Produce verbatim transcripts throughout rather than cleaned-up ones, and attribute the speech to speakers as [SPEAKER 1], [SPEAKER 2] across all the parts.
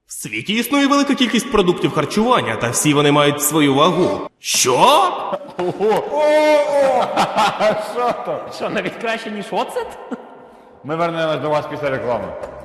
[SPEAKER 1] В світі існує велика кількість продуктів харчування, та всі вони мають свою вагу. Що?
[SPEAKER 2] Що то?
[SPEAKER 3] Що, навіть краще, ніж оцет?
[SPEAKER 2] Ми вернемось до вас після реклами.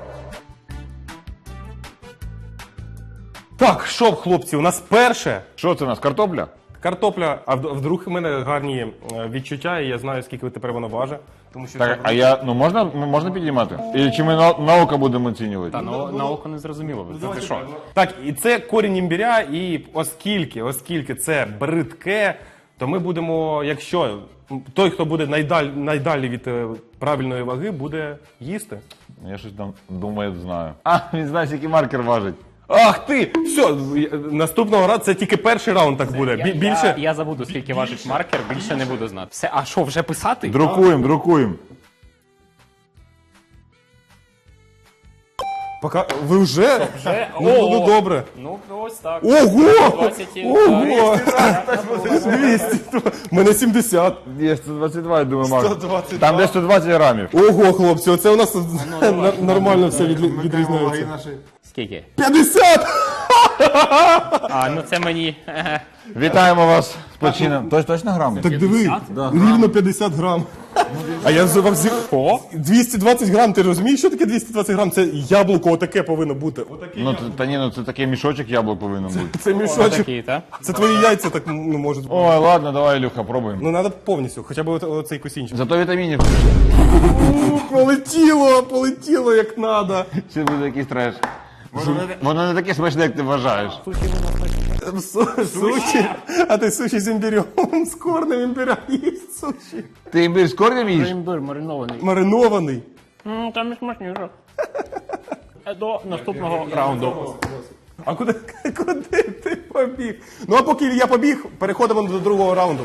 [SPEAKER 4] Так, що, хлопці, у нас перше
[SPEAKER 2] Що це у нас, картопля?
[SPEAKER 4] картопля, а вд- вдруг в мене гарні е, відчуття, і я знаю, скільки тепер воно важить. Тому що
[SPEAKER 2] Так,
[SPEAKER 4] це-
[SPEAKER 2] а я, ну можна, м- можна підіймати? І чи ми на, на око будемо оцінювати?
[SPEAKER 3] Та на, на око не зрозуміло. Це ти що?
[SPEAKER 4] Так, і це корінь імбиря, і оскільки, оскільки це бридке, то ми будемо, якщо той, хто буде найдаль, найдалі від е, правильної ваги, буде їсти.
[SPEAKER 2] Я щось там думаю, знаю. А, він знає, який маркер важить.
[SPEAKER 4] Ах ти! Все, наступного разу це тільки перший раунд так буде. Бі- Більше.
[SPEAKER 3] Я, я забуду, скільки важить маркер, більше не буду знати. Все, а що, вже писати?
[SPEAKER 2] Друкуємо, друкуємо.
[SPEAKER 4] Пока... Ви вже?
[SPEAKER 3] Вже?
[SPEAKER 4] Ну,
[SPEAKER 3] О!
[SPEAKER 4] ну добре.
[SPEAKER 3] Ну, ось так.
[SPEAKER 4] Ого!
[SPEAKER 3] двадцять,
[SPEAKER 4] Ого! двісті. У мене сімдесят.
[SPEAKER 2] Є сто двадцять два, я думаю, маркер.
[SPEAKER 4] сто двадцять два.
[SPEAKER 2] Там десь сто двадцять грамів.
[SPEAKER 4] Ого, хлопці, оце у нас нар- нормально все відлі- відрізняється.
[SPEAKER 3] Скільки?
[SPEAKER 4] п'ятдесят!
[SPEAKER 3] А, ну це мені...
[SPEAKER 2] Вітаємо вас з почином. Тож точно грами?
[SPEAKER 4] Так диви, рівно п'ятдесят грам. А я вже вам зі... О? двісті двадцять грам, ти розумієш, що таке двісті двадцять грам? Це яблуко отаке повинно бути. Отаке.
[SPEAKER 2] Ну, т- та ні, ну це такий мішочок яблук повинен бути.
[SPEAKER 4] Це мішочок.
[SPEAKER 3] Такий, так?
[SPEAKER 4] Це твої яйця так ну, можуть бути.
[SPEAKER 2] Ой, ладно, давай, Ілюха, пробуємо.
[SPEAKER 4] Ну, треба повністю, хоча б от- оцей кусінчик.
[SPEAKER 2] Зато вітамінів.
[SPEAKER 4] Полетіло, полетіло як треба.
[SPEAKER 2] Це буде якийсь треш. Воно не таке смачне, як ти вважаєш.
[SPEAKER 4] Суші, а ти суші з імбирем, з корнем імбиря їсть суші.
[SPEAKER 2] Ти імбир з корнем їш?
[SPEAKER 3] Імбир маринований.
[SPEAKER 4] Маринований.
[SPEAKER 3] М, Там не смачніше. До наступного раунду.
[SPEAKER 4] А куди, куди ти побіг? Ну а поки я побіг, переходимо до другого раунду.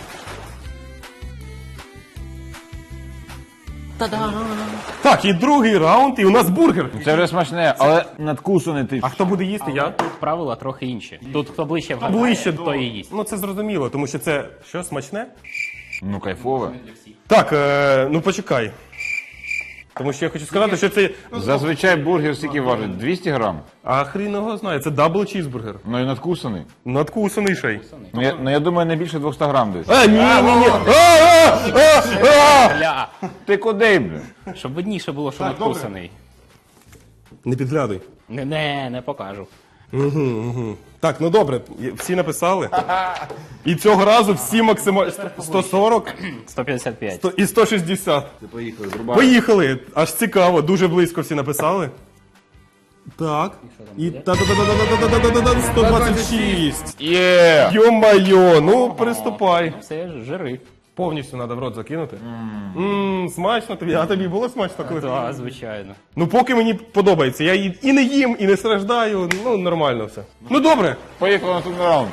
[SPEAKER 4] Так, і другий раунд, і у нас бургер.
[SPEAKER 2] Це вже смачне, але надкусаний ти.
[SPEAKER 4] А хто буде їсти? Я?
[SPEAKER 3] Тут правила трохи інші. Тут хто ближче вгадає,
[SPEAKER 4] Ближче
[SPEAKER 3] хто і їсть.
[SPEAKER 4] Ну це зрозуміло, тому що це що, смачне?
[SPEAKER 2] Ну, кайфове.
[SPEAKER 4] Так, е, ну почекай. Тому що я хочу сказати, що це.
[SPEAKER 2] Зазвичай бургер скільки важить? двісті грам?
[SPEAKER 4] А хрін його знає, це дабл чізбургер.
[SPEAKER 2] Ну і надкусаний.
[SPEAKER 4] Надкусаний ще й.
[SPEAKER 2] Ну я, ну, я думаю, не більше двісті грам десь.
[SPEAKER 4] А, ні, ні, ні. А, а, а, а!
[SPEAKER 3] Бля,
[SPEAKER 2] Ти куди, бля?
[SPEAKER 3] щоб видніше було, що надкусаний.
[SPEAKER 4] Не підглядуй.
[SPEAKER 3] Не, не, не покажу.
[SPEAKER 4] Так, ну добре, всі написали. І цього разу всі максимально сто сорок
[SPEAKER 3] сто п'ятдесят п'ять.
[SPEAKER 4] сто і сто шістдесят.
[SPEAKER 2] Поїхали, зрубай.
[SPEAKER 4] Поїхали! Аж цікаво, дуже близько всі написали. Так. І та-та-та-та-та-та-та-та-та-та-та, сто двадцять шість.
[SPEAKER 2] Є!
[SPEAKER 4] Йо-майо, ну приступай.
[SPEAKER 3] Це ж жири.
[SPEAKER 4] Повністю треба в рот закинути. Ммм, смачно тобі. А тобі було смачно, коли?
[SPEAKER 3] Так, звичайно.
[SPEAKER 4] Ну поки мені подобається. Я і і не їм, і не страждаю. Ну, нормально все. Ну добре.
[SPEAKER 2] Поїхали на наступний раунд.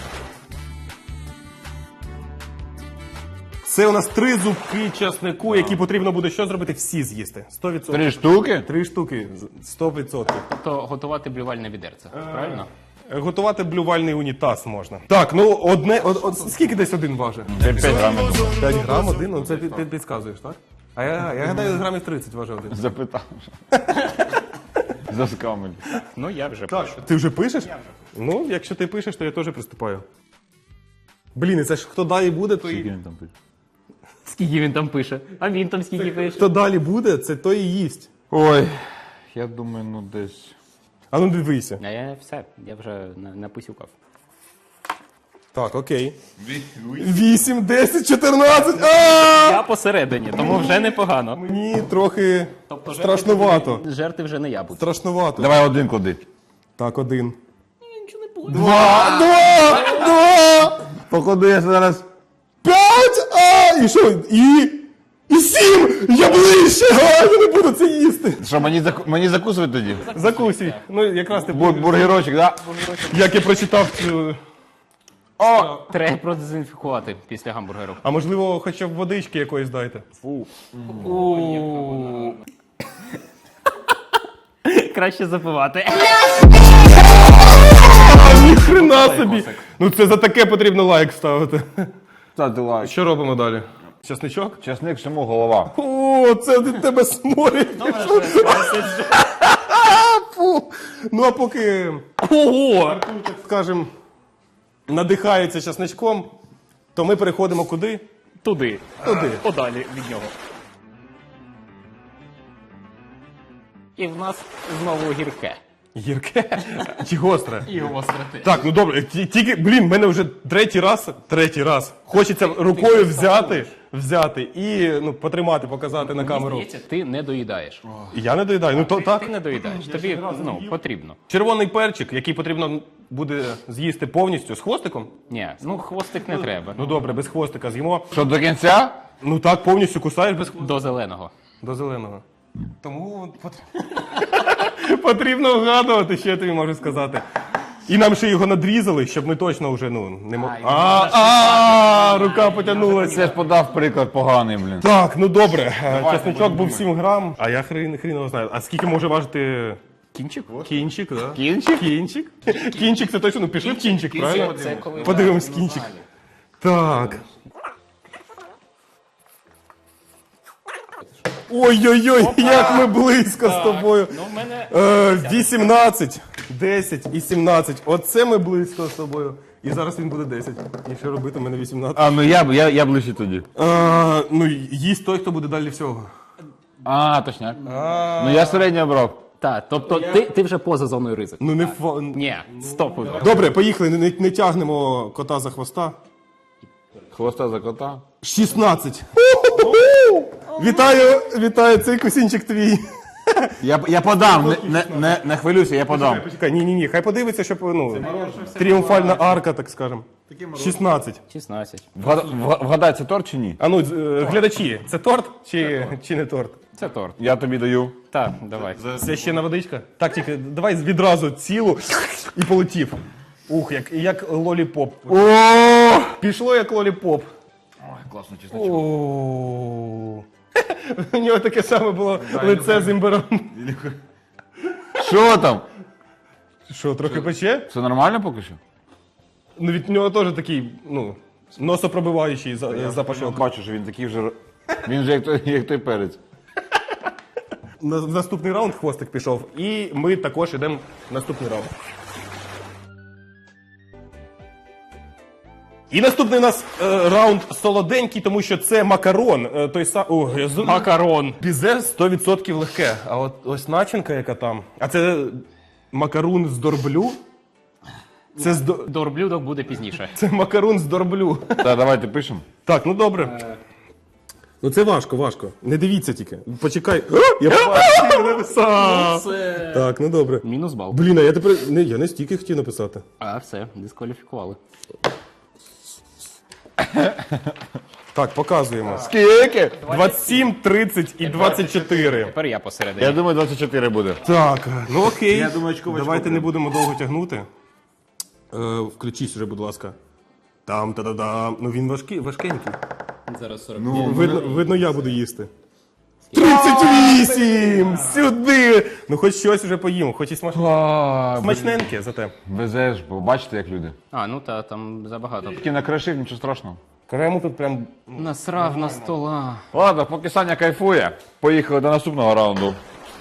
[SPEAKER 4] Це у нас три зубки часнику, які потрібно буде що зробити? Всі з'їсти. сто відсотків.
[SPEAKER 2] Три штуки?
[SPEAKER 4] Три штуки. сто відсотків.
[SPEAKER 3] Тобто готувати блювальне відерце, правильно?
[SPEAKER 4] Готувати блювальний унітаз можна. Так, ну одне. Од, од, скільки десь один важить?
[SPEAKER 2] Це п'ять грамів.
[SPEAKER 4] п'ять грам один, ну це ти, ти підказуєш, так? А я, я гадаю, грамів тридцять важить один.
[SPEAKER 2] Запитав. Заскамель.
[SPEAKER 3] Ну, я вже
[SPEAKER 4] Так,
[SPEAKER 3] пишу.
[SPEAKER 4] ти вже пишеш? Ну, якщо ти пишеш, то я теж приступаю. Блін, і це ж хто далі буде, то
[SPEAKER 2] Скільки
[SPEAKER 4] і...
[SPEAKER 2] він там пише?
[SPEAKER 3] Скільки він там пише? А він там скільки пише?
[SPEAKER 4] Хто далі буде, це той і їсть.
[SPEAKER 2] Ой, я думаю, ну десь...
[SPEAKER 4] А ну дивися.
[SPEAKER 3] А я все, я вже на- написюкав.
[SPEAKER 4] Так, окей. Вісім, десять, чотирнадцять. А!
[SPEAKER 3] Я посередині, тому вже непогано.
[SPEAKER 4] Мені трохи
[SPEAKER 3] Тобто
[SPEAKER 4] страшнувато.
[SPEAKER 3] Жерти вже не я буду.
[SPEAKER 4] Страшнувато.
[SPEAKER 2] Давай один клади.
[SPEAKER 4] Так, один.
[SPEAKER 3] Нічого не було.
[SPEAKER 4] Два! Два! Два!
[SPEAKER 2] Походу я зараз...
[SPEAKER 4] П'ять! А! І що? І... І сім! Я ближче! А, я не буду це їсти!
[SPEAKER 2] Що, мені, заку... мені закусувати тоді?
[SPEAKER 4] Закусуй. Ну, якраз ти...
[SPEAKER 2] Бур- бургерочок, да?
[SPEAKER 4] Як я прочитав цю...
[SPEAKER 3] О, треба продезінфікувати після гамбургеру.
[SPEAKER 4] А можливо, хоча б водички якоїсь дайте.
[SPEAKER 3] Краще запивати.
[SPEAKER 4] Ніхрена собі! Ну це за таке потрібно лайк ставити.
[SPEAKER 2] Ставте лайк.
[SPEAKER 4] Що робимо далі? Часничок?
[SPEAKER 2] Часник всьому голова.
[SPEAKER 4] О, це від тебе сморід. Фу. Ну а поки
[SPEAKER 3] Ого!
[SPEAKER 4] Артур, так скажем, надихається часничком, то ми переходимо куди?
[SPEAKER 3] Туди.
[SPEAKER 4] Туди.
[SPEAKER 3] Подалі від нього. І в нас знову гірке.
[SPEAKER 4] Гірке чи гостре?
[SPEAKER 3] І гостроти.
[SPEAKER 4] Так, ну добре, ті- тільки, блін, мене вже третій раз, третій раз. Хочеться рукою взяти, взяти і ну, потримати, показати на камеру.
[SPEAKER 3] Здається, ти не доїдаєш.
[SPEAKER 4] І я не доїдаю. Ну то
[SPEAKER 3] Ти
[SPEAKER 4] так.
[SPEAKER 3] не доїдаєш. Тобі ну, потрібно.
[SPEAKER 4] Червоний перчик, який потрібно буде з'їсти повністю з хвостиком.
[SPEAKER 3] Ні, ну хвостик не треба.
[SPEAKER 4] Ну добре, без хвостика з'їмо.
[SPEAKER 2] Що, до кінця?
[SPEAKER 4] Ну так, повністю кусаєш без хвостика.
[SPEAKER 3] До зеленого.
[SPEAKER 4] До зеленого. Тому пот- потрібно вгадувати, що я тобі можу сказати. І нам ще його надрізали, щоб ми точно вже ну не могли.
[SPEAKER 3] Ай,
[SPEAKER 4] А, а, рука потягнулася.
[SPEAKER 2] Це ж подав приклад поганий, блін.
[SPEAKER 4] Так, ну добре. Чесночок був сім грам, а я хрін хрін його знаю. А скільки може важити
[SPEAKER 3] Кінчик?
[SPEAKER 4] кінчик, да?
[SPEAKER 2] Кінчик?
[SPEAKER 4] Кінчик? Кінчик це точно, ну пішли в кінчик, правильно?
[SPEAKER 3] Це коли
[SPEAKER 4] Подивимось кінчик. Так. Ой-ой-ой, як ми близько з тобою.
[SPEAKER 3] Ну, в мене
[SPEAKER 4] Е, вісімнадцять, десять і сімнадцять. Оце ми близько з тобою. І зараз він буде десять. І що робити, у мене вісімнадцять.
[SPEAKER 2] А, ну я, я, я ближче тоді.
[SPEAKER 4] А, ну, їсть той, хто буде далі всього.
[SPEAKER 2] А, точняк. Ну я середньо брав.
[SPEAKER 3] Так, тобто ти, ти вже поза зоною ризику.
[SPEAKER 4] Ну не фа...
[SPEAKER 3] Ні, стоп.
[SPEAKER 4] Добре, поїхали, не, не тягнемо кота за хвоста.
[SPEAKER 2] Хвоста за кота.
[SPEAKER 4] шістнадцять. Вітаю, вітаю, цей кусінчик твій.
[SPEAKER 2] Я, я подам, не, не, не, не хвилюйся, я подам.
[SPEAKER 4] Почекай, ні, ні, ні, хай подивиться, щоб, ну, тріумфальна арка, так скажем. шістнадцять.
[SPEAKER 3] шістнадцять.
[SPEAKER 2] Вгад- вга- Вгадай, це торт чи ні?
[SPEAKER 4] А ну, е, глядачі, це торт чи, чи не торт?
[SPEAKER 3] Це торт.
[SPEAKER 2] Я тобі даю.
[SPEAKER 3] Так, давай.
[SPEAKER 4] Це ще на водичка? Так, тільки давай відразу цілу і полетів. Ух, як, як лоліпоп.
[SPEAKER 2] О!
[SPEAKER 4] Пішло як лоліпоп.
[SPEAKER 2] Ой, класно,
[SPEAKER 4] О. У нього таке саме було лице з імбиром.
[SPEAKER 2] Що там?
[SPEAKER 4] Що, трохи пече?
[SPEAKER 2] Все нормально поки що?
[SPEAKER 4] Ну від нього теж такий, ну, носопробиваючий за-
[SPEAKER 2] Я
[SPEAKER 4] запашок.
[SPEAKER 2] бачу, що він такий вже. Він же як той, як той перець.
[SPEAKER 4] На в наступний раунд хвостик пішов, і ми також йдемо в наступний раунд. І наступний у нас е, раунд солоденький, тому що це макарон. Е, той сам... О, я з...
[SPEAKER 3] Макарон.
[SPEAKER 4] Бізе сто відсотків легке. А от ось начинка, яка там. А це макарун з дорблю. Це, з... до-
[SPEAKER 3] До блюдок буде пізніше.
[SPEAKER 4] це макарун з дорблю.
[SPEAKER 2] Так, давайте пишемо.
[SPEAKER 4] Так, ну добре. Ну це важко, важко. Не дивіться тільки. Почекай. О, я побачив, написав. Так, ну добре.
[SPEAKER 3] Мінус бал.
[SPEAKER 4] Блін, а я тепер. Не, я не стільки хотів написати.
[SPEAKER 3] А, все, дискваліфікували.
[SPEAKER 4] Так, показуємо.
[SPEAKER 2] Скільки?
[SPEAKER 4] двадцять сім, тридцять і двадцять чотири.
[SPEAKER 3] Тепер я посередині.
[SPEAKER 2] Я думаю, двадцять чотири буде.
[SPEAKER 4] Так, ну окей.
[SPEAKER 2] Я думаю, очко в очко
[SPEAKER 4] Давайте
[SPEAKER 2] буде.
[SPEAKER 4] не будемо довго тягнути. Е, включись вже, будь ласка. Там та да дам Ну він важкий, важкенький.
[SPEAKER 3] Зараз сорок.
[SPEAKER 2] Ну,
[SPEAKER 4] Видно, видно, я буду їсти. тридцять вісім! Сюди! Ну хоч щось вже поїмо, хоч і смач... смачненьке зате.
[SPEAKER 2] Везеш, бо бачите, як люди.
[SPEAKER 3] А, ну та, там забагато.
[SPEAKER 2] Тільки накришив, нічого страшного.
[SPEAKER 4] Крему тут прям.
[SPEAKER 3] Насрав на стола.
[SPEAKER 2] Ладно, поки Саня кайфує, поїхали до наступного раунду.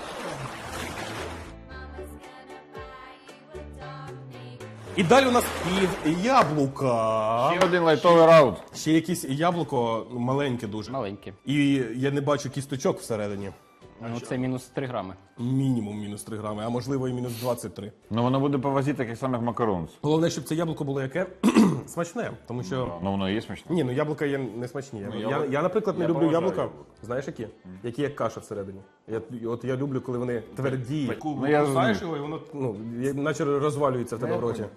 [SPEAKER 4] І далі у нас пів яблука.
[SPEAKER 2] Ще один лайтовий раунд.
[SPEAKER 4] Ще якесь яблуко ну, маленьке дуже.
[SPEAKER 3] Маленькі.
[SPEAKER 4] І я не бачу кісточок всередині.
[SPEAKER 3] Ну це мінус три грами.
[SPEAKER 4] Мінімум мінус три грами, а можливо і мінус двадцять три.
[SPEAKER 2] Ну воно буде по вазі таких самих макарон.
[SPEAKER 4] Головне, щоб це яблуко було яке смачне, тому що.
[SPEAKER 2] Ну воно і є смачне.
[SPEAKER 4] Ні, ну яблука є не смачні. Я, я,
[SPEAKER 2] яблука-
[SPEAKER 4] я, наприклад, не
[SPEAKER 2] я
[SPEAKER 4] люблю
[SPEAKER 2] поважаю
[SPEAKER 4] яблука.
[SPEAKER 2] яблука.
[SPEAKER 4] Знаєш які? Які як каша всередині. Я, от я люблю, коли вони тверді.
[SPEAKER 2] Ну, я
[SPEAKER 4] Кусаєш
[SPEAKER 2] розумію.
[SPEAKER 4] його, і воно ну, є- наче розвалюється в тебе в роті.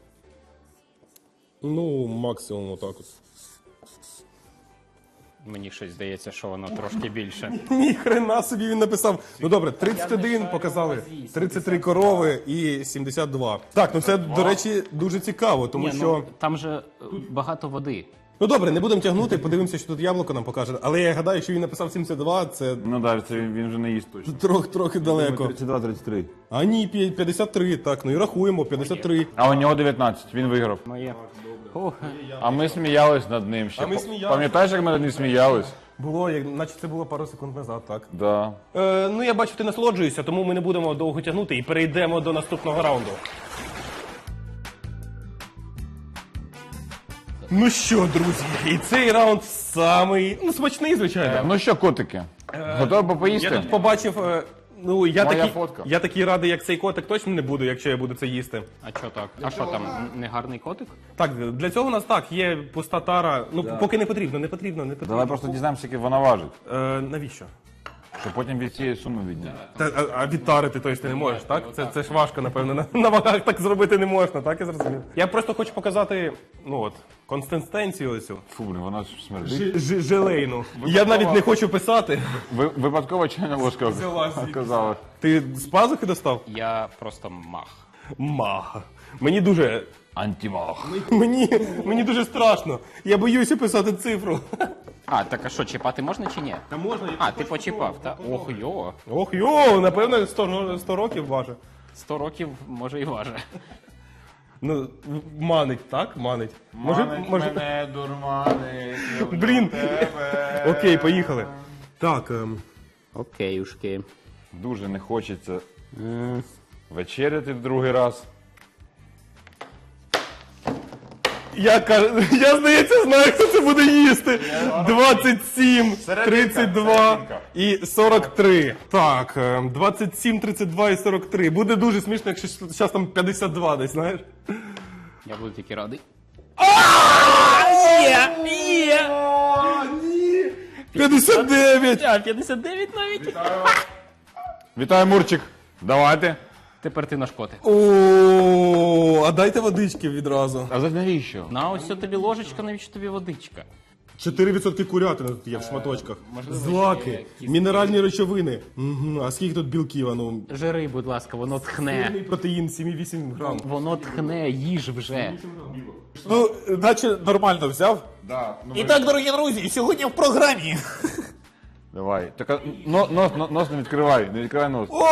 [SPEAKER 4] Ну, максимум отак от.
[SPEAKER 3] Мені щось здається, що воно трошки більше.
[SPEAKER 4] Ні хрена собі він написав. Ну добре, тридцять один показали, тридцять три корови і сімдесят два. Так, ну це, до речі, дуже цікаво, тому
[SPEAKER 3] Ні,
[SPEAKER 4] що.
[SPEAKER 3] ну, там же е, багато води.
[SPEAKER 4] Ну добре, не будемо тягнути, подивимося, що тут яблуко нам покаже. Але я гадаю, що він написав сімдесят два, це
[SPEAKER 2] Ну так, це він, він вже не їсть точно.
[SPEAKER 4] трохи трохи далеко.
[SPEAKER 2] тридцять два тридцять три.
[SPEAKER 4] А ні, п'я- п'ятдесят три, так, ну і рахуємо, п'ятдесят три.
[SPEAKER 2] А у нього дев'ятнадцять, він виграв.
[SPEAKER 3] Моє. Ох,
[SPEAKER 2] А ми сміялись над ним ще.
[SPEAKER 4] А ми сміялись.
[SPEAKER 2] Пам'ятаєш, як ми над ним сміялись?
[SPEAKER 4] Було, як- наче це було пару секунд назад, так.
[SPEAKER 2] Да.
[SPEAKER 4] Е, ну, я бачу, ти насолоджуєшся, тому ми не будемо довго тягнути і перейдемо до наступного раунду. Ну що, друзі, і цей раунд самий, ну, смачний, звичайно.
[SPEAKER 2] Ну що, котики, готові
[SPEAKER 4] Я
[SPEAKER 2] поїсти?
[SPEAKER 4] тут побачив, е, ну, я
[SPEAKER 2] Моя
[SPEAKER 4] такий,
[SPEAKER 2] фотка.
[SPEAKER 4] я такий радий, як цей котик, точно не буду, якщо я буду це їсти.
[SPEAKER 3] А що так? А що там, н- не гарний котик?
[SPEAKER 4] Так, для цього у нас так, є пуста тара, ну, поки не потрібно, не потрібно, не потрібно.
[SPEAKER 2] Давай просто дізнаємося, скільки вона важить,
[SPEAKER 4] Е, навіщо?
[SPEAKER 2] щоб потім від цієї суми відняти.
[SPEAKER 4] Та, а, а відтарити, тобто ти не можеш, так? Це, це ж важко, напевно. На, на вагах так зробити не можна, так я зрозумів. Я просто хочу показати, ну от, консистенцію оцю.
[SPEAKER 2] Фу, блін, вона ж смердить.
[SPEAKER 4] Ж, ж, желейну. Я навіть не хочу писати.
[SPEAKER 2] Ви, випадково чайна ложка
[SPEAKER 4] Взяла звідти.
[SPEAKER 2] оказалась.
[SPEAKER 4] Ти з пазухи достав?
[SPEAKER 3] Я просто мах.
[SPEAKER 4] Мага. Мені дуже.
[SPEAKER 2] Антимах.
[SPEAKER 4] Мені, мені дуже страшно. Я боюся писати цифру.
[SPEAKER 3] А, так а що, чіпати можна чи ні?
[SPEAKER 4] Та можна, я
[SPEAKER 3] А, ти почіпав, так? Ох, йо.
[SPEAKER 4] Ох, йо, напевно, сто, сто років важить.
[SPEAKER 3] Сто років, може, і важе.
[SPEAKER 4] Ну, манить, так? Манить. Може, може...
[SPEAKER 2] мене, дурманить, люблю
[SPEAKER 4] Блін.
[SPEAKER 2] тебе.
[SPEAKER 4] Окей, поїхали. Так, ем,
[SPEAKER 3] Окей, ушки.
[SPEAKER 2] Дуже не хочеться вечеряти в другий раз.
[SPEAKER 4] я, кажу, я, здається, знаю, хто це буде їсти. двадцять сім, тридцять два і сорок три. Так, ем, двадцять сім, тридцять два і сорок три. Буде дуже смішно, якщо зараз там п'ятдесят два десь, знаєш.
[SPEAKER 3] Я буду тільки радий.
[SPEAKER 4] п'ятдесят дев'ять!
[SPEAKER 3] А, п'ятдесят дев'ять навіть.
[SPEAKER 2] Вітаю, Мурчик. Давайте.
[SPEAKER 3] Тепер ти наш котик.
[SPEAKER 4] О, а дайте водички відразу.
[SPEAKER 2] А за навіщо?
[SPEAKER 3] На ось що тобі ложечка, навіщо тобі водичка?
[SPEAKER 4] чотири відсотки курятини тут є в шматочках.
[SPEAKER 3] можливо, ще
[SPEAKER 4] Злаки,
[SPEAKER 3] якісь-
[SPEAKER 4] мінеральні речовини. Угу. А скільки тут білків? А ну,
[SPEAKER 3] Жири, будь ласка, воно тхне.
[SPEAKER 4] протеїн сім і вісім грам.
[SPEAKER 3] Воно тхне, їж вже.
[SPEAKER 4] Ну, наче нормально взяв.
[SPEAKER 2] Да. Ну,
[SPEAKER 4] І так, дорогі друзі, сьогодні в програмі.
[SPEAKER 2] давай. Так, а, но, нос, но- нос не відкривай, не відкривай нос.
[SPEAKER 4] О!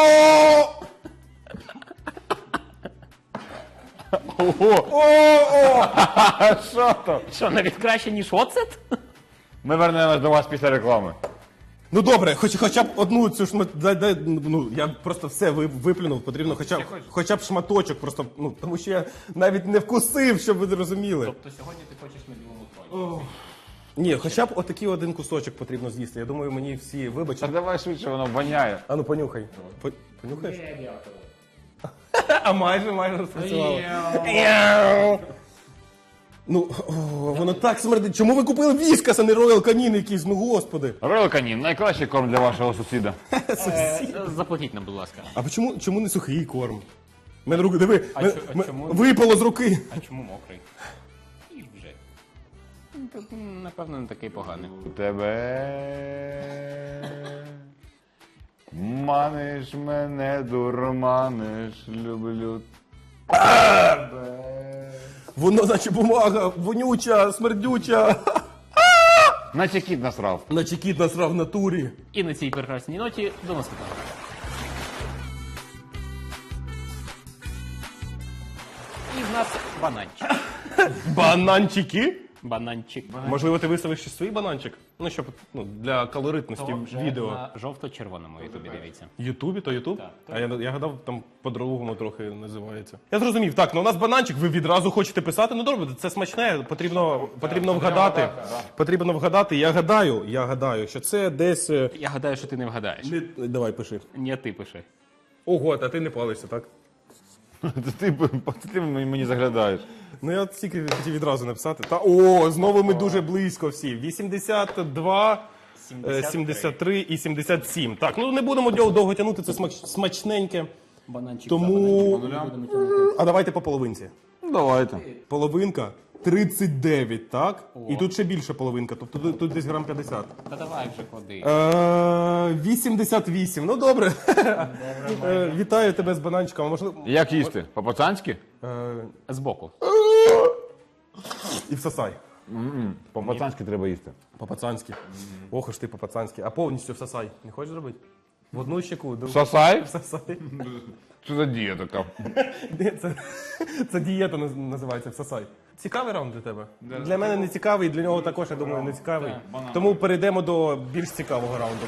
[SPEAKER 2] Ого!
[SPEAKER 4] О!
[SPEAKER 2] А що то?
[SPEAKER 3] Що, навіть краще, ніж оцет?
[SPEAKER 2] Ми вернемось до вас після реклами.
[SPEAKER 4] Ну добре, хоч, хоча б одну цю шмат... дай, дай, ну, я просто все ви- виплюнув, потрібно хоча б, хоча б шматочок, просто, ну, тому що я навіть не вкусив, щоб ви розуміли.
[SPEAKER 3] Тобто сьогодні ти хочеш на білому троні?
[SPEAKER 4] Ні, хоча б отакий один кусочок потрібно з'їсти. Я думаю, мені всі
[SPEAKER 2] Так
[SPEAKER 4] вибачать.
[SPEAKER 2] давай швидше, воно воняє.
[SPEAKER 4] А ну понюхай. По- Понюхаєш? А майже, майже спрацювало. Ну, о, воно так смердить. Чому ви купили віскас, а не роял канін якийсь? Ну, господи.
[SPEAKER 2] Роял Канін, найкращий корм для вашого сусіда.
[SPEAKER 3] Заплатіть нам, будь ласка.
[SPEAKER 4] А чому, чому не сухий корм? У мене руки, диви,
[SPEAKER 3] А
[SPEAKER 4] ме-
[SPEAKER 3] чо- а
[SPEAKER 4] ме-
[SPEAKER 3] чому?
[SPEAKER 4] випало з руки.
[SPEAKER 3] А чому мокрий? І вже. Ну, так, м, Напевно, не такий поганий.
[SPEAKER 2] У тебе маниш мене, дурманиш, люблю.
[SPEAKER 4] Воно, наче бумага, вонюча, смердюча.
[SPEAKER 2] Наче кіт насрав.
[SPEAKER 4] Наче кіт насрав в натурі.
[SPEAKER 3] І на цій прекрасній ноті до наступного. І в нас бананчик.
[SPEAKER 4] Бананчики?
[SPEAKER 3] Бананчик.
[SPEAKER 4] Можливо, ти виставиш ще свій бананчик? Ну, щоб ну, для калоритності відео.
[SPEAKER 3] На жовто-червоному ютубі дивіться.
[SPEAKER 4] Ютубі, то Ютуб?
[SPEAKER 3] Так,
[SPEAKER 4] А я, я гадав, там по-другому трохи називається. Я зрозумів. Так, ну у нас бананчик, ви відразу хочете писати. Ну добре, це смачне, потрібно, потрібно вгадати. Потрібно вгадати. Я гадаю, я гадаю, що це десь. е,
[SPEAKER 3] Я гадаю, що ти не вгадаєш.
[SPEAKER 4] Не... Давай, пиши.
[SPEAKER 3] Ні, ти пиши.
[SPEAKER 4] Ого, а ти не палишся, так?
[SPEAKER 2] Це ти, це ти мені заглядаєш.
[SPEAKER 4] Ну я тільки хотів відразу написати. Та о, знову ми дуже близько всі. вісімдесят два, е, сімдесят три і сімдесят сім. Так, ну не будемо дов- довго тягнути, це смач- смачненьке.
[SPEAKER 3] Бананчик.
[SPEAKER 4] Тому. А давайте по половинці.
[SPEAKER 2] Ну, давайте.
[SPEAKER 4] Половинка тридцять дев'ять, так? І тут ще більше половинка, тобто тут, тут десь грам п'ятдесят.
[SPEAKER 3] Та давай вже клади.
[SPEAKER 4] Е, вісімдесят вісім. Ну добре. Е, Вітаю тебе з бананчиком. А Можливо.
[SPEAKER 2] Як їсти? По-пацанськи?
[SPEAKER 4] Е,
[SPEAKER 3] Збоку.
[SPEAKER 4] І всосай.
[SPEAKER 2] По-пацанськи треба їсти.
[SPEAKER 4] По-пацанськи. Ох, аж ти по-пацанськи. А повністю всосай. Не хочеш зробити? В одну щеку. ду-
[SPEAKER 2] Сосай?
[SPEAKER 4] Всосай.
[SPEAKER 2] Що за дія така?
[SPEAKER 4] Ні, Це, це дієта наз- називається всосай. Цікавий раунд для тебе? Для мене не цікавий, для нього також, я думаю, не цікавий. Тому перейдемо до більш цікавого раунду.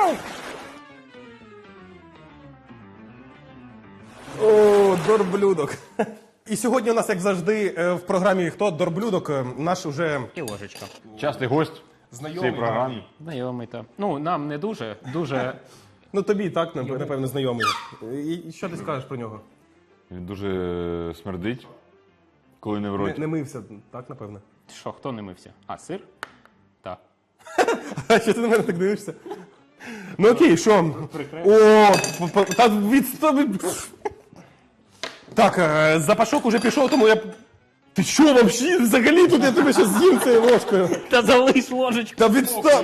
[SPEAKER 4] О, дорблюдок. І сьогодні у нас, як завжди, е, в програмі «Хто дорблюдок» е, наш уже
[SPEAKER 3] І ложечка.
[SPEAKER 2] Частий гость в
[SPEAKER 4] знайомий.
[SPEAKER 2] цій програмі.
[SPEAKER 3] Знайомий та. Ну, нам не дуже, дуже.
[SPEAKER 4] Ну тобі так, нап- напевно, знайомий. І і що ти скажеш про нього?
[SPEAKER 2] Він дуже смердить, коли не в
[SPEAKER 4] Не,
[SPEAKER 2] роті.
[SPEAKER 4] не мився, так, напевно.
[SPEAKER 3] Що, хто не мився? А, сир? Так.
[SPEAKER 4] А що ти на мене так дивишся? Ну окей, що? О, п- п- та відстав... Так, е, запашок уже пішов, тому я... Ти що, вообще, взагалі тут я тебе ще з'їм цією ложкою?
[SPEAKER 3] Та залиш ложечку.
[SPEAKER 4] Та відстав!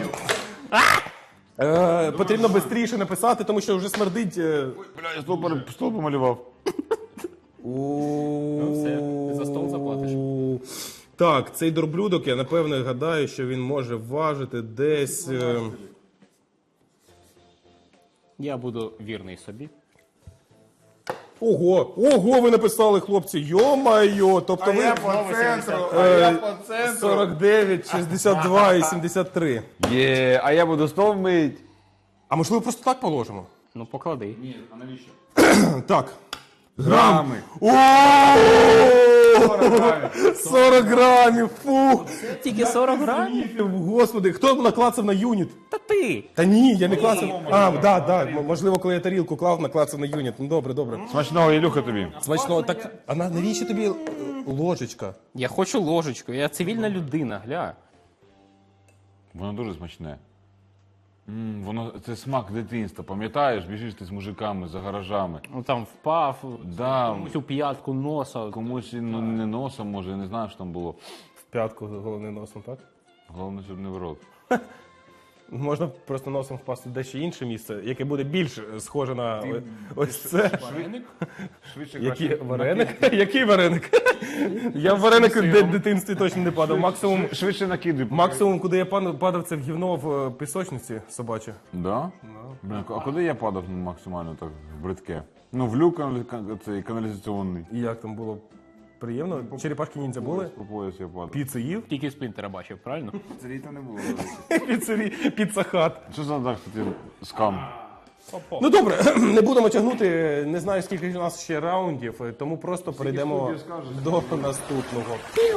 [SPEAKER 4] Е, потрібно швидше написати, тому що вже смердить. е.
[SPEAKER 2] Бля, я стол, пере- стол помалював.
[SPEAKER 4] Ну
[SPEAKER 3] все, ти за стол заплатиш.
[SPEAKER 4] Так, цей дорблюдок, я напевно гадаю, що він може важити десь. е,
[SPEAKER 3] Я буду вірний собі.
[SPEAKER 4] Ого, ого, ви написали, хлопці, йо-майо, тобто ви е, сорок дев'ять, шістдесят два і сімдесят три.
[SPEAKER 2] Є, а я буду стол мить.
[SPEAKER 4] А можливо просто так положимо?
[SPEAKER 3] Ну, поклади.
[SPEAKER 4] Так.
[SPEAKER 2] Грами.
[SPEAKER 4] О! сорок грамів, фу!
[SPEAKER 3] Тільки сорок грамів?
[SPEAKER 4] Господи, хто наклацав на юніт?
[SPEAKER 3] Та ти!
[SPEAKER 4] Та ні, я не клацав. А, да, да, м- можливо, коли я тарілку клав, наклацав на юніт. Ну добре, добре.
[SPEAKER 2] Смачного, Ілюха, тобі.
[SPEAKER 4] Смачно, так, а на- навіщо тобі е, ложечка?
[SPEAKER 3] Я хочу ложечку, я цивільна людина, гля.
[SPEAKER 2] Воно дуже смачне. М, воно, це смак дитинства, пам'ятаєш? Біжиш ти з мужиками за гаражами.
[SPEAKER 3] Ну там впав,
[SPEAKER 2] Да,
[SPEAKER 3] цю п'ятку носа.
[SPEAKER 2] комусь і, ну, не носом, може, я не знаю, що там було.
[SPEAKER 4] В п'ятку головним носом, так?
[SPEAKER 2] Головне, щоб не в рот.
[SPEAKER 4] Можна просто носом впасти в дещо інше місце, яке буде більш схоже на о- ось це.
[SPEAKER 2] Швидше
[SPEAKER 4] Який вареник? Який вареник? Я в вареник в ди- дитинстві точно не падав. Максимум,
[SPEAKER 2] Швидше накидай.
[SPEAKER 4] максимум, куди я пан- падав, це в гівно в е, пісочниці собаче.
[SPEAKER 2] Да? Блін, а куди я падав ну, максимально так в бридке? Ну, в люк каналі- кан- цей каналізаційний.
[SPEAKER 4] І як там було? Приємно? Черепашки ніндзя були?
[SPEAKER 2] По пояс я падав.
[SPEAKER 4] Піцу їв?
[SPEAKER 3] Тільки сплінтера бачив, правильно?
[SPEAKER 2] Це літо не було.
[SPEAKER 4] Піцері, піцахат.
[SPEAKER 2] Що за так, кстати, скам?
[SPEAKER 4] Ну добре, не будемо тягнути, не знаю скільки у нас ще раундів, тому просто перейдемо до наступного.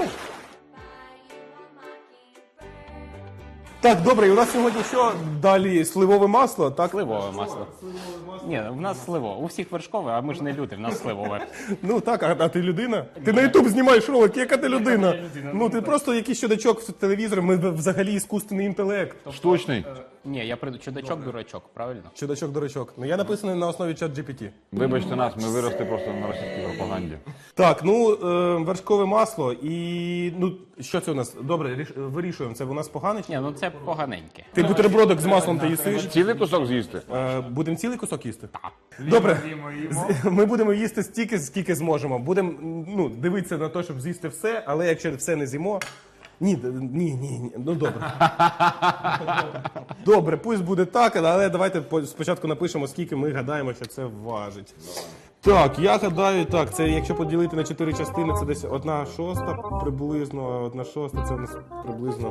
[SPEAKER 4] Так, добре, і у нас сьогодні що? Далі сливове масло, так?
[SPEAKER 3] Сливове масло. Ні, в нас сливо. У всіх вершкове, а ми ж не люди, в нас сливове.
[SPEAKER 4] Ну так, а, а ти людина? Ти на Ютуб знімаєш ролик, яка ти людина? Ну ти просто якийсь чудачок в телевізорі, ми взагалі іскусственний інтелект.
[SPEAKER 2] Штучний.
[SPEAKER 3] Ні, я прийду чудачок, дурачок, правильно?
[SPEAKER 4] Чудачок-дурачок. Ну я написаний на основі чат джі пі ті.
[SPEAKER 2] Вибачте нас, ми виросли просто на російській пропаганді.
[SPEAKER 4] Так, ну е, вершкове масло і ну що це у нас? Добре, ріш- вирішуємо. Це у нас погане? чи-
[SPEAKER 3] Ні, ну це поганеньке.
[SPEAKER 4] Ти бутербродок з маслом ти їсиш?
[SPEAKER 2] Цілий кусок з'їсти?
[SPEAKER 4] Е, будемо цілий кусок їсти? Так. Добре. З- Ми будемо їсти стільки, скільки зможемо. Будемо ну, дивитися на те, щоб з'їсти все, але якщо все не з'їмо. Ні, д- ні, ні, ні. Ну добре. Добре, пусть буде так, але давайте по- спочатку напишемо, скільки ми гадаємо, що це важить. Так, я гадаю, так, це якщо поділити на чотири частини, це десь одна шоста приблизно, а одна шоста це у нас приблизно.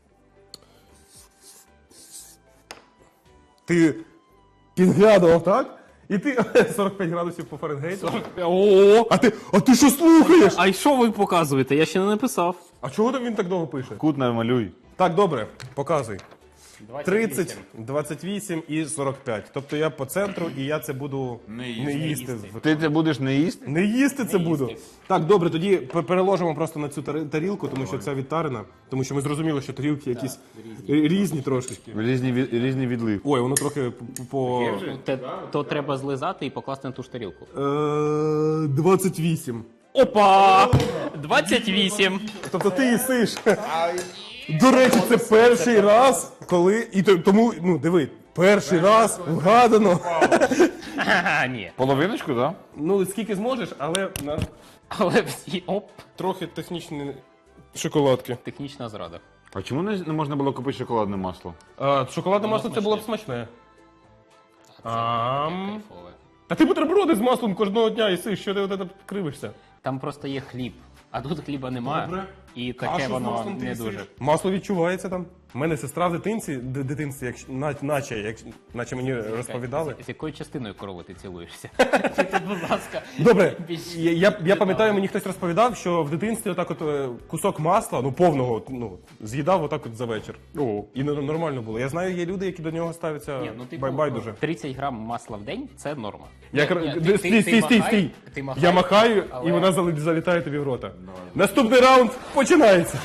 [SPEAKER 4] Ти підглядував, так? І ти сорок п'ять градусів по Фаренгейту.
[SPEAKER 3] О!
[SPEAKER 4] А ти, а ти що слухаєш?
[SPEAKER 3] А й що ви показуєте? Я ще не написав.
[SPEAKER 4] А чого там він так довго пише?
[SPEAKER 2] Кут намалюй.
[SPEAKER 4] Так, добре, показуй. тридцять, двадцять вісім і сорок п'ять. Тобто я по центру і я це буду не їсти.
[SPEAKER 2] Ти це будеш не їсти?
[SPEAKER 4] Не їсти це буду. Так, добре, тоді п- переложимо просто на цю тари- тарілку, тому що це відтарина. Тому що ми зрозуміли, що тарілки якісь різні трошечки.
[SPEAKER 2] Різні, від- різні відлив.
[SPEAKER 4] Ой, воно трохи п- по
[SPEAKER 3] Те, то треба злизати і покласти на ту ж тарілку.
[SPEAKER 4] Е, двадцять вісім.
[SPEAKER 3] Опа! двадцять вісім.
[SPEAKER 4] Тобто ти їсиш. До речі, це перший раз, коли. І то- тому, ну диви, перший раз вгадано.
[SPEAKER 3] Ага, ні.
[SPEAKER 2] Половиночку, так?
[SPEAKER 4] Ну, скільки зможеш, але на
[SPEAKER 3] Але всі оп,
[SPEAKER 4] трохи технічні шоколадки.
[SPEAKER 3] технічна зрада.
[SPEAKER 2] А чому не, не можна було купити шоколадне масло?
[SPEAKER 4] А, шоколадне масло це було б смачне. Ам.
[SPEAKER 3] Кайфове.
[SPEAKER 4] Та ти бутерброди з маслом кожного дня їси, що ти от кривишся?
[SPEAKER 3] Там просто є хліб, а тут хліба немає.
[SPEAKER 4] Добре.
[SPEAKER 3] І таке
[SPEAKER 4] Кашу з
[SPEAKER 3] воно
[SPEAKER 4] маслом ти
[SPEAKER 3] не
[SPEAKER 4] їсиш?
[SPEAKER 3] дуже.
[SPEAKER 4] Масло відчувається там. У мене сестра в дитинці, д- дитинстві, як, на- наче, як, наче мені розповідали.
[SPEAKER 3] З, з якою частиною корови ти цілуєшся? Ти тут, будь ласка.
[SPEAKER 4] Добре,
[SPEAKER 3] більш
[SPEAKER 4] я, я, я пам'ятаю,
[SPEAKER 3] детально.
[SPEAKER 4] мені хтось розповідав, що в дитинстві отак от е, кусок масла, ну повного, ну, з'їдав отак от за вечір. О. І не- нормально було. Я знаю, є люди, які до нього ставляться
[SPEAKER 3] Ні, ну, типу,
[SPEAKER 4] бай- байдуже.
[SPEAKER 3] тридцять грам масла в день – це норма.
[SPEAKER 4] Я
[SPEAKER 3] Ні,
[SPEAKER 4] кр-
[SPEAKER 3] ні,
[SPEAKER 4] Д- стій, стій, стій,
[SPEAKER 3] махай,
[SPEAKER 4] стій.
[SPEAKER 3] ти махай,
[SPEAKER 4] Я махаю,
[SPEAKER 3] але-
[SPEAKER 4] і вона зали- залітає тобі в рота. Наступний раунд починається.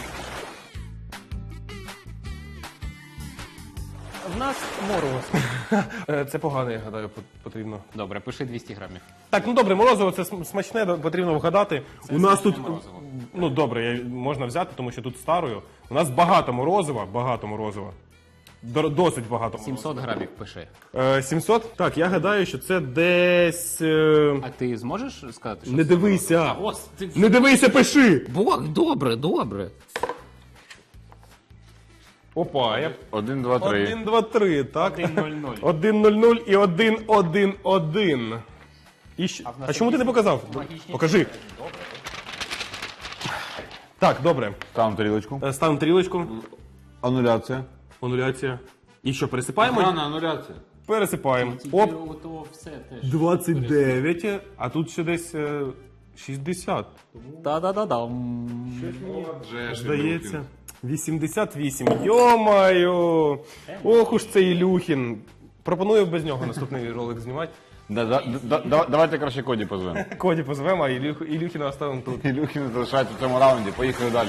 [SPEAKER 3] В нас мороз.
[SPEAKER 4] Е, Це погано, я гадаю, пот- потрібно.
[SPEAKER 3] Добре, пиши двісті грамів.
[SPEAKER 4] Так, ну добре, морозиво це см- смачне, да, потрібно вгадати. У нас тут
[SPEAKER 3] морозиво.
[SPEAKER 4] ну добре, я- можна взяти, тому що тут старою. У нас багато морозива, багато морозива. Дор- Досить багато.
[SPEAKER 3] сімсот грамів пиши.
[SPEAKER 4] Е, сімсот? Так, я гадаю, що це десь. е,
[SPEAKER 3] А ти зможеш сказати, що
[SPEAKER 4] Не
[SPEAKER 3] це
[SPEAKER 4] дивися!
[SPEAKER 3] морозиво? А, ось, ти...
[SPEAKER 4] Не дивися, пиши!
[SPEAKER 3] Бог, добре, добре.
[SPEAKER 4] Опа, я.
[SPEAKER 2] Один, два, три.
[SPEAKER 4] Один, два, три, так?
[SPEAKER 3] один нуль нуль.
[SPEAKER 4] Один, нуль, нуль і один, один, один. І ще...
[SPEAKER 3] в нас
[SPEAKER 4] А чому ти не
[SPEAKER 3] якісь
[SPEAKER 4] показав?
[SPEAKER 3] магічні
[SPEAKER 4] Покажи. Так, добре.
[SPEAKER 2] Там тарілочку.
[SPEAKER 4] Е, Ставимо тарілочку.
[SPEAKER 2] Ануляція.
[SPEAKER 4] Ануляція. І що, пересипаємо?
[SPEAKER 2] Рана, ануляція.
[SPEAKER 4] Пересипаємо. Оп.
[SPEAKER 3] Ото все теж.
[SPEAKER 4] двадцять дев'ять, а тут ще десь е, шістдесят.
[SPEAKER 3] Та-да-да-дам.
[SPEAKER 4] Здається. вісімдесят вісім. Йо-маю! Ох уж цей Ілюхін. Пропоную без нього наступний ролик знімати.
[SPEAKER 2] Да, да, да, да, давайте краще Коді позвемо.
[SPEAKER 4] Коді позвемо, а Ілюх, Ілюхіна оставимо тут.
[SPEAKER 2] Ілюхін залишається в цьому раунді. Поїхали далі.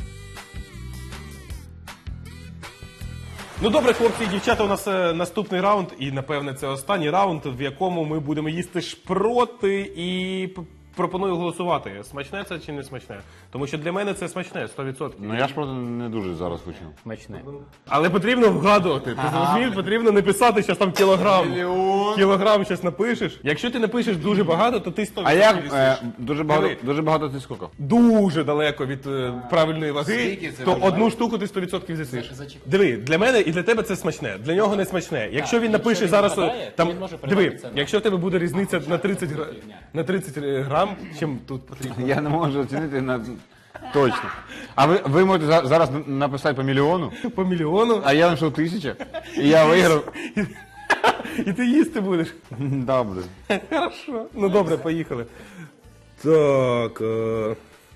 [SPEAKER 4] Ну добре, хлопці і дівчата, у нас е, наступний раунд, і напевне це останній раунд, в якому ми будемо їсти шпроти і п- пропоную голосувати. Смачне це чи не смачне? Тому що для мене це смачне, сто відсотків.
[SPEAKER 2] Ну я ж просто не дуже зараз хочу.
[SPEAKER 3] Смачне.
[SPEAKER 4] Але потрібно вгадувати. Ти зрозумів, потрібно не писати, що там кілограм.
[SPEAKER 2] Мільйон.
[SPEAKER 4] Кілограм щось напишеш. Якщо ти напишеш дуже багато, то ти сто
[SPEAKER 2] А
[SPEAKER 4] відсотків
[SPEAKER 2] як
[SPEAKER 4] їсиш.
[SPEAKER 2] е, дуже багато,
[SPEAKER 4] Диви.
[SPEAKER 2] дуже багато ти скільки?
[SPEAKER 4] Дуже далеко від е, правильної ваги,
[SPEAKER 2] Скільки це
[SPEAKER 4] то
[SPEAKER 2] дуже
[SPEAKER 4] одну штуку ти сто відсотків з'їсиш.
[SPEAKER 3] За- зачекай.
[SPEAKER 4] Диви, для мене і для тебе це смачне, для нього не смачне. Якщо він
[SPEAKER 3] якщо
[SPEAKER 4] напише
[SPEAKER 3] він
[SPEAKER 4] зараз,
[SPEAKER 3] вгадає,
[SPEAKER 4] там,
[SPEAKER 3] то він може придбати
[SPEAKER 4] диви,
[SPEAKER 3] це на-
[SPEAKER 4] якщо в тебе буде різниця на тридцять, гра... на тридцять грам, чим тут потрібно.
[SPEAKER 2] Я не можу оцінити на точно. А ви, ви можете за- зараз написати по мільйону,
[SPEAKER 4] По мільйону,
[SPEAKER 2] а я знайшов тисяча, і я виграв.
[SPEAKER 4] і ти їсти будеш.
[SPEAKER 2] Добре.
[SPEAKER 4] Хорошо. Ну добре, поїхали. Так. Е...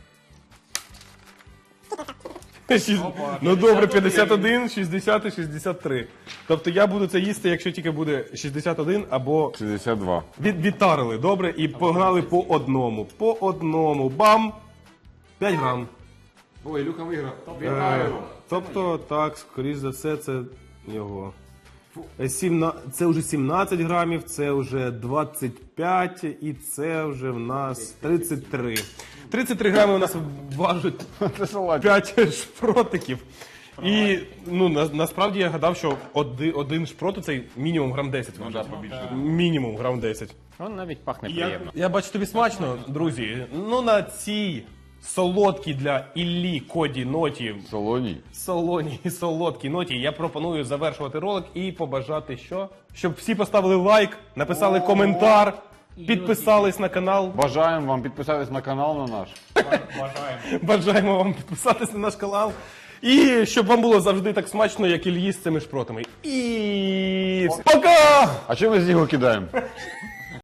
[SPEAKER 4] Шість- Ну добре, п'ятдесят один, шістдесят і шістдесят три. Тобто я буду це їсти, якщо тільки буде шістдесят один або
[SPEAKER 2] шістдесят два.
[SPEAKER 4] від, відтарили, добре, і погнали по одному. По одному. Бам! п'ять грам.
[SPEAKER 2] Ой, Люка виграв.
[SPEAKER 4] Е, тобто, так, скоріш за все, це його. Е, сімна- Це вже сімнадцять грамів, це вже двадцять п'ять і це вже в нас тридцять три. тридцять три грами у нас важить
[SPEAKER 2] Це салат.
[SPEAKER 4] п'ять шпротиків. І ну, на, насправді я гадав, що один, один шпрот це мінімум грам десять важить. Мінімум грам десять.
[SPEAKER 3] Он навіть пахне
[SPEAKER 4] Я,
[SPEAKER 3] приємно.
[SPEAKER 4] я бачу тобі смачно, друзі. Ну на цій солодкій для Іллі Коді ноті,
[SPEAKER 2] Солоній.
[SPEAKER 4] солоній солодкій ноті, я пропоную завершувати ролик і побажати що? Щоб всі поставили лайк, написали коментар, підписались на канал.
[SPEAKER 2] Бажаємо вам підписатись на канал на наш.
[SPEAKER 4] Бажаємо вам підписатись на наш канал. І щоб вам було завжди так смачно, як Іллі з цими шпротами. І пока!
[SPEAKER 2] А чому ми з нього кидаємо?